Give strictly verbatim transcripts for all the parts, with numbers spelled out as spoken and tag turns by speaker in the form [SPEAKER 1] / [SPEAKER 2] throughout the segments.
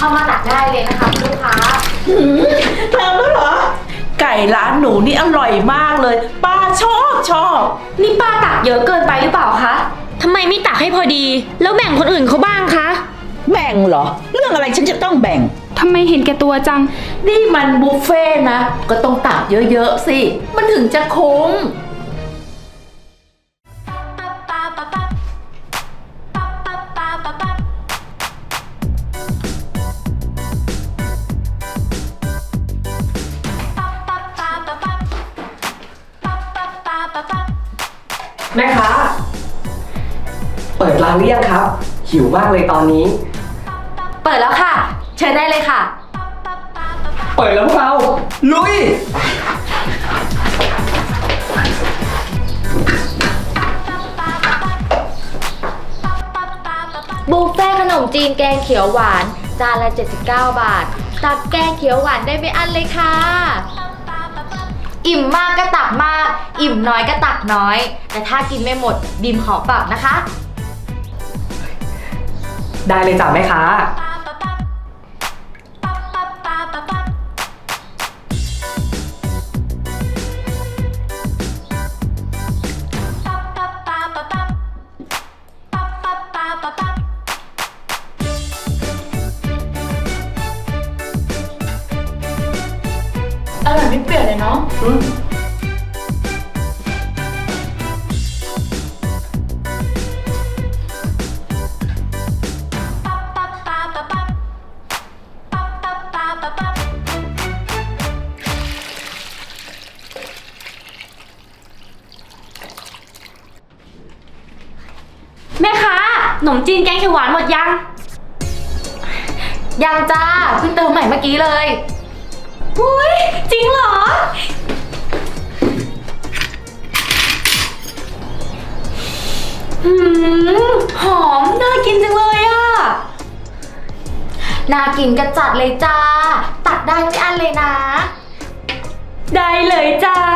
[SPEAKER 1] เข้ามาตักได้เลยนะคะคุณลูกค้า
[SPEAKER 2] ทำแล้วเหรอไก่ร้านหนูนี่อร่อยมากเลยป้าชอบชอบ
[SPEAKER 1] นี่ป้าตักเยอะเกินไปหรือเปล่าคะทำไมไม่ตักให้พอดีแล้วแบ่งคนอื่นเขาบ้างคะ
[SPEAKER 2] แบ่งเหรอเรื่องอะไรฉันจะต้องแบ่ง
[SPEAKER 3] ทำไมเห็นแก่ตัวจัง
[SPEAKER 2] นี่มันบุฟเฟ่นะก็ต้องตักเยอะๆสิมันถึงจะคุ้ม
[SPEAKER 4] แม่ค้าเปิดร้านหรือยังครับ หิวมากเลยตอนนี้
[SPEAKER 1] เปิดแล้วค่ะเชิญได้เลยค่ะ
[SPEAKER 4] เปิดแล้วพวกเราลุย
[SPEAKER 1] บุฟเฟ่ขนมจีนแกงเขียวหวานจานละเจ็ดสิบเก้าบาทตักแกงเขียวหวานได้ไม่อั้นเลยค่ะอิ่มมากก็ตักมากอิ่มน้อยก็ตักน้อยแต่ถ้ากินไม่หมดบีมขอปรับนะคะ
[SPEAKER 4] ได้เลยจ้ะแม่ค้า
[SPEAKER 3] อร่อยไม่เปลี่ยนเลยเนาะ
[SPEAKER 4] อืม
[SPEAKER 1] แม่ค้าขนมจีนแกงเขียวหวานหมดยังยังจ้าเพิ่งเติมใหม่เมื่อกี้เลยอุ้ยจริงเหรอหืมหอมน่ากินจังเลยอ่ะน่ากินกระจัดเลยจ้าตักได้ไม่อั้นเลยนะได้เลยจ้า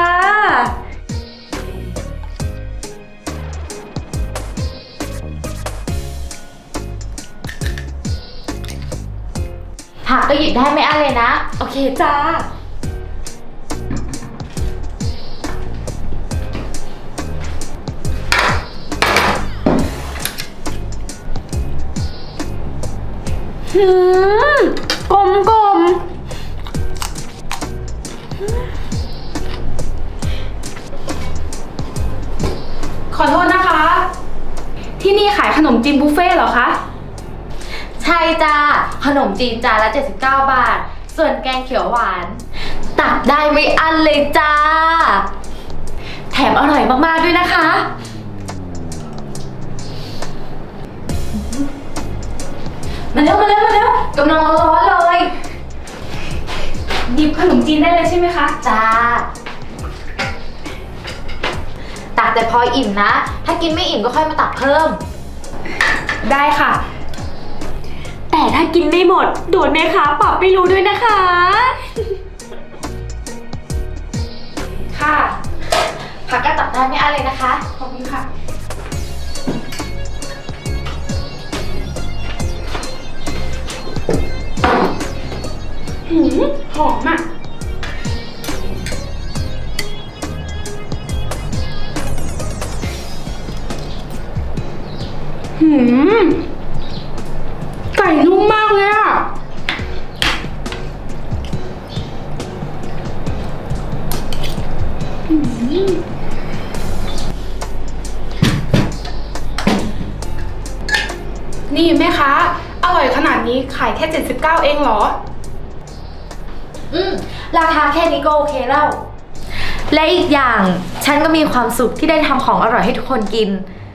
[SPEAKER 1] ผักก็หยิบได้ไม่อั้นเลยนะโอเคจ้าหืมกลมกลม
[SPEAKER 3] ขอโทษนะคะ ที่นี่ขายขนมจีนบุฟเฟ่ต์เหรอคะ
[SPEAKER 1] ใช่จ้าขนมจีนจานละเจ็ดสิบเก้าบาทส่วนแกงเขียวหวานตักได้ไม่อั้นเลยจ้าแถมอร่อยมากๆด้วยนะคะมาเร็วมาเร็วมาเร็วกำลังร้อนๆเลย
[SPEAKER 3] หยิบขนมจีนได้เลยใช่ไหมคะ
[SPEAKER 1] จ้าตักแต่พออิ่มนะถ้ากินไม่อิ่มก็ค่อยมาตักเพิ่ม
[SPEAKER 3] ได้ค่ะ
[SPEAKER 1] แต่ถ้ากินไม่หมดโดนแม่ค้าปรับไม่รู้ด้วยนะคะ
[SPEAKER 3] ค่ะ
[SPEAKER 1] ผักก็ตักได้ไม่อั้นเลยนะคะ
[SPEAKER 3] ขอบคุณค่ะหืมหอมอ่ะหืมไก่นุ่มมากเลยอ่ะนี่แม่ค้าอร่อยขนาดนี้ขายแค่เจ็ดสิบเก้าเองเหรอ
[SPEAKER 1] อืมราคาแค่นี้ก็โอเคแล้วและอีกอย่างฉันก็มีความสุขที่ได้ทำของอร่อยให้ทุกคนกิน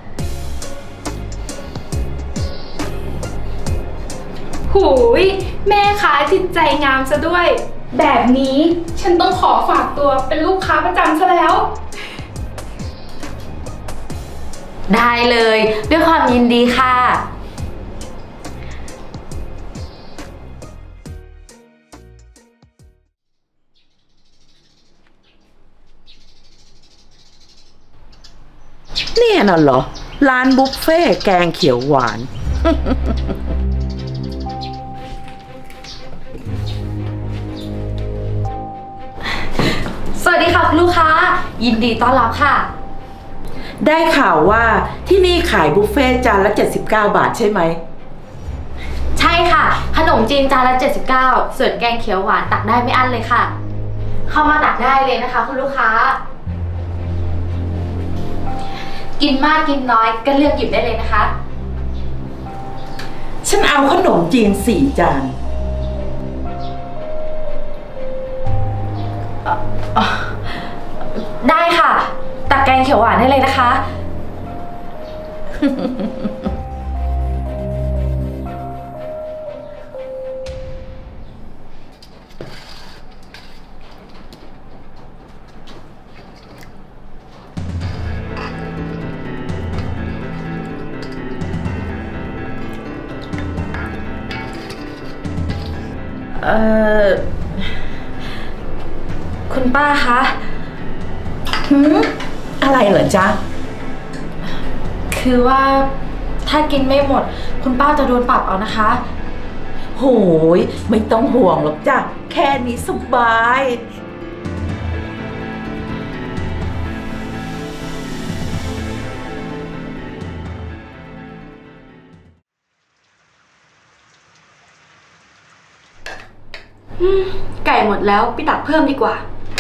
[SPEAKER 3] หูยแม่ค้าจิตใจงามซะด้วยแบบนี้ฉันต้องขอฝากตัวเป็นลูกค้าประจำซะแล้ว
[SPEAKER 1] ได้เลยด้วยความยินดีค่ะ
[SPEAKER 2] เนี่ยน่ะเหรอร้านบุฟเฟ่แกงเขียวหวาน
[SPEAKER 1] สวัสดีค่ะคุณลูกค้า ยินดีต้อนรับค่ะ
[SPEAKER 2] ได้ข่าวว่าที่นี่ขายบุฟเฟ่ต์จานละเจ็ดสิบเก้าบาทใช่ไหม
[SPEAKER 1] ใช่ค่ะ ขนมจีนจานละเจ็ดสิบเก้าส่วนแกงเขียวหวานตักได้ไม่อั้นเลยค่ะ เข้ามาตักได้เลยนะคะคุณลูกค้า กินมากกินน้อยก็เลือกหยิบได้เลยนะคะ
[SPEAKER 2] ฉันเอาขนมจีนสี่จาน
[SPEAKER 1] ได้ค่ะ ตักแกงเขียวหวานได้เลยนะคะ เอ่อ คุณป้าคะ
[SPEAKER 2] หืมอะไรเหรอจ๊ะ
[SPEAKER 1] คือว่าถ้ากินไม่หมด คุณป้าจะโดนปรับเอานะคะ
[SPEAKER 2] โหยไม่ต้องห่วงหรอกจ้ะ แค่นี้สบาย
[SPEAKER 1] ไก่หมดแล้วไปตักเพิ่มดีกว่า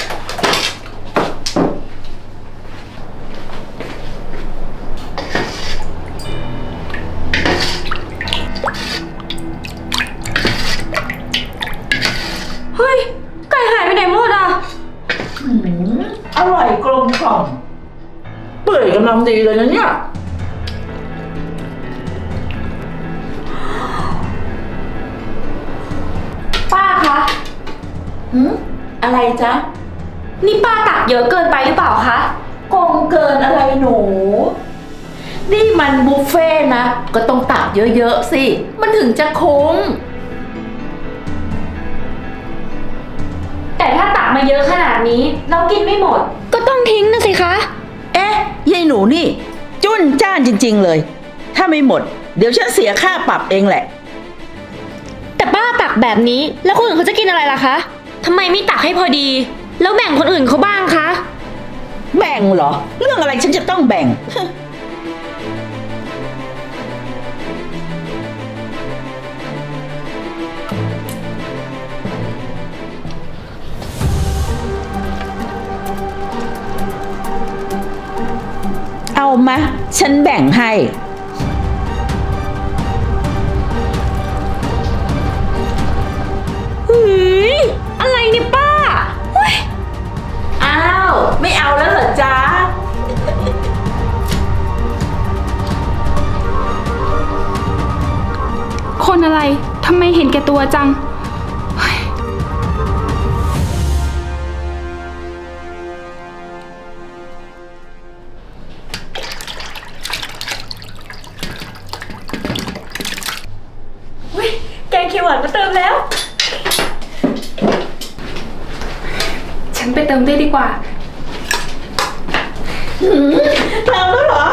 [SPEAKER 1] เฮ้ย ไก่หายไปไหนหมดอ่ะ
[SPEAKER 2] หืมอร่อยกลมกล่อมเปื่อยกำลังดีเลยนะเนี่ย
[SPEAKER 1] ป้าคะ
[SPEAKER 2] หืมอะไรจ๊ะ
[SPEAKER 1] นี่ป้าตักเยอะเกินไปหรือเปล่าคะ
[SPEAKER 2] กงเกินอะไรหนู นี่มันบุฟเฟ่ต์นะ ก็ต้องตักเยอะๆสิ มันถึงจะคุ้ม
[SPEAKER 1] แต่ถ้าตักมาเยอะขนาดนี้เรากินไม่หมด ก็ต้องทิ้งนะสิคะ
[SPEAKER 2] เอ๊ะยายหนูนี่ จุ้นจ้านจริงๆเลย ถ้าไม่หมด เดี๋ยวฉันเสียค่าปรับเองแหละ
[SPEAKER 5] แต่ป้าตักแบบนี้แล้วคนอื่นเขาจะกินอะไรล่ะคะทำไมไม่ตักให้พอดี แล้วแบ่งคนอื่นเขาบ้างคะ
[SPEAKER 2] แบ่งเหรอ เรื่องอะไรฉันจะต้องแบ่ง เอามา ฉันแบ่งให้
[SPEAKER 5] หืยอะไรเนี่ยป้าเฮ้ย
[SPEAKER 2] อ้าว ไม่เอาแล้วเหรอจ๊ะ
[SPEAKER 3] คนอะไร ทำไมเห็นแก่ตัวจัง
[SPEAKER 5] แกงเขียวหวานมาเติมแล้ว
[SPEAKER 3] ฉันไปเติมได้ดีกว่า
[SPEAKER 2] เติมแล้วเหรอ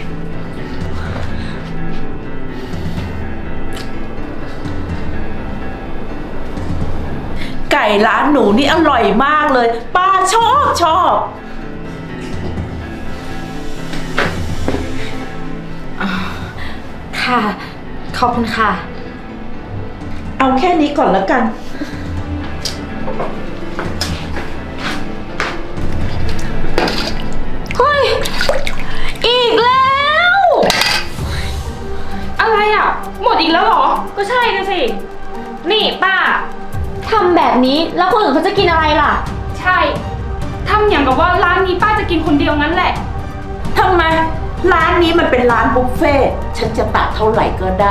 [SPEAKER 2] ไก่ร้านหนูนี่อร่อยมากเลย ป้าชอบชอบ
[SPEAKER 1] ค่ะ ขอบคุณค่ะ
[SPEAKER 2] เอาแค่นี้ก่อนแล้วกัน
[SPEAKER 5] เฮ้ย อีกแล้ว
[SPEAKER 3] อะไรอ่ะ หมดอีกแล้วเหรอ
[SPEAKER 5] ก็ใช่นะสิ นี่ป้าทำแบบนี้แล้วคนอื่นเขาจะกินอะไรล่ะ
[SPEAKER 3] ใช่ทำอย่างกับว่าร้านนี้ป้าจะกินคนเดียวงั้นแหละ
[SPEAKER 2] ทำไม ร้านนี้มันเป็นร้านบุฟเฟ่ต์ฉันจะตักเท่าไหร่ก็ได้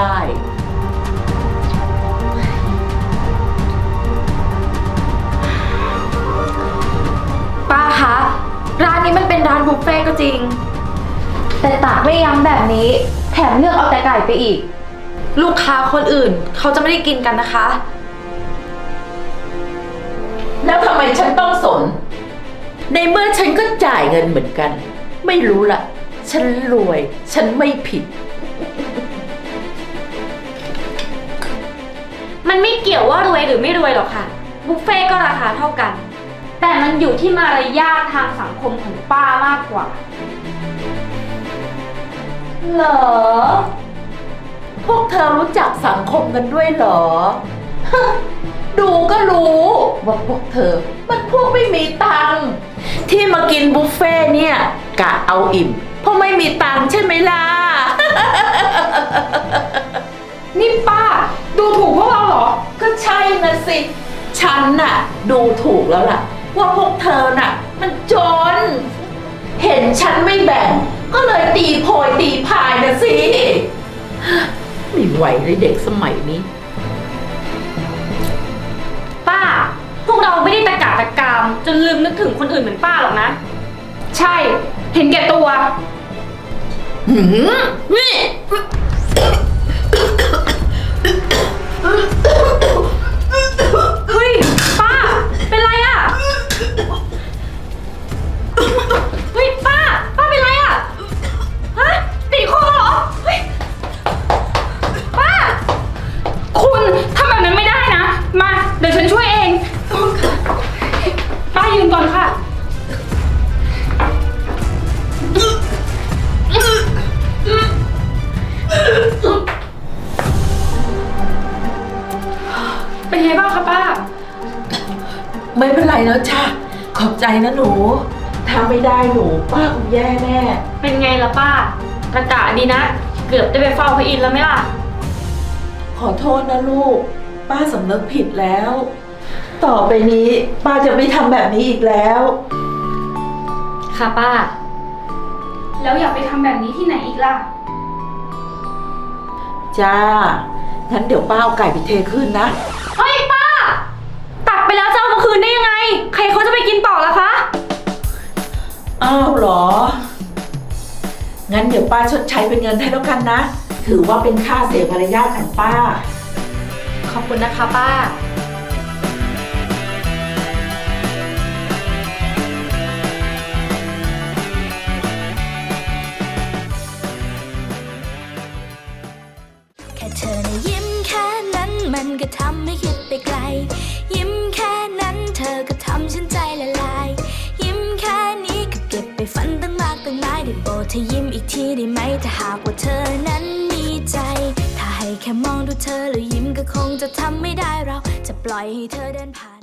[SPEAKER 1] ป้าคะ ร้านนี้มันเป็นร้านบุฟเฟ่ต์ก็จริง แต่ตักไม่ยั้งแบบนี้ แถมเลือกเอาแต่ไก่ไปอีก ลูกค้าคนอื่นเขาจะไม่ได้กินกันนะคะ
[SPEAKER 2] แล้วทำไมฉันต้องสน ในเมื่อฉันก็จ่ายเงินเหมือนกัน ไม่รู้ล่ะ ฉันรวย ฉันไม่ผิด
[SPEAKER 5] มันมันไม่เกี่ยวว่ารวยหรือไม่รวยหรอกค่ะ บุฟเฟ่ต์ก็ราคาเท่ากัน แต่มันอยู่ที่มารยาททางสังคมของป้ามากกว่า
[SPEAKER 2] เหรอ พวกเธอรู้จักสังคมกันด้วยเหรอ ดูก็รู้ว่าพวกเธอ มันพวกไม่มีตังค์ที่มากินบุฟเฟ่ต์เนี่ยกะเอาอิ่ม เพราะไม่มีตังค์ใช่ไหมล่ะ
[SPEAKER 3] นี่ป้า ดูถูกพวกเราเหรอ
[SPEAKER 2] ก็ใช่นะสิ ฉันน่ะ ดูถูกแล้วล่ะ ว่าพวกเธอน่ะ มันจน เห็นฉันไม่แบ่ง ก็เลยตีโพยตีพายนะสิ ไม่ไหวเลยเด็กสมัยนี้
[SPEAKER 5] ป้า พวกเราไม่ได้ตะกาตะกามจนลืมนึกถึงคนอื่นเหมือนป้าหรอกนะ
[SPEAKER 3] ใช่ เห็นแก่ตัว
[SPEAKER 2] หืมนี่
[SPEAKER 5] เฮ้ย ป้า เป็นไรอะเฮ้ย ป้า ป้าเป็นไรอะฮะติดคอเหรอ เฮ้ย ป้า
[SPEAKER 3] คุณทำแบบนั้นไม่ได้นะ มา เดี๋ยวฉันช่วยเอง ป้ายืนก่อนค่ะ เป็นไงบ้างคะป้า
[SPEAKER 2] ไม่เป็นไรแล้วจ้ะขอบใจนะหนู ถ้าไม่ได้หนูป้าคงแย่แน่
[SPEAKER 5] เป็นไงล่ะป้าตะกะดีนะ เกือบได้ไปเฝ้าพระอินทร์แล้วไหมล่ะ
[SPEAKER 2] ขอโทษนะลูก ป้าสำนึกผิดแล้ว ต่อไปนี้ป้าจะไม่ทำแบบนี้อีกแล้ว
[SPEAKER 5] ค่ะป้า
[SPEAKER 3] แล้วอยากไปทำแบบนี้ที่ไหนอีกล่ะ
[SPEAKER 2] จ้า งั้นเดี๋ยวป้าเอาไก่ไปเทขึ้นนะ
[SPEAKER 5] เฮ้ยป้า ตักไปแล้วจะเอามาคืนได้ยังไง ใครเขาจะไปกินต่อล่ะคะ
[SPEAKER 2] อ้าวเหรอ งั้นเดี๋ยวป้าชดใช้เป็นเงินให้แล้วกันนะ ถือว่าเป็นค่าเสียมารยาทของป้า
[SPEAKER 5] ขอบคุณนะคะป้า
[SPEAKER 6] แค่เธอนะยิ้มแค่นั้นมันก็ทำให้คิดไปไกล ยิ้มแค่นั้นเธอก็ทำฉันใจละลาย ยิ้มแค่นี้ก็เก็บไปฝันตั้งมากตั้งหลายได้โปรดเธอยิ้มอีกทีได้ไหมถ้าหากว่าเธอนั้นมีใจ ถ้าให้แค่มองดูเธอแล้วยิ้มก็คงจะทำไม่ได้เราจะปล่อยให้เธอเดินผ่าน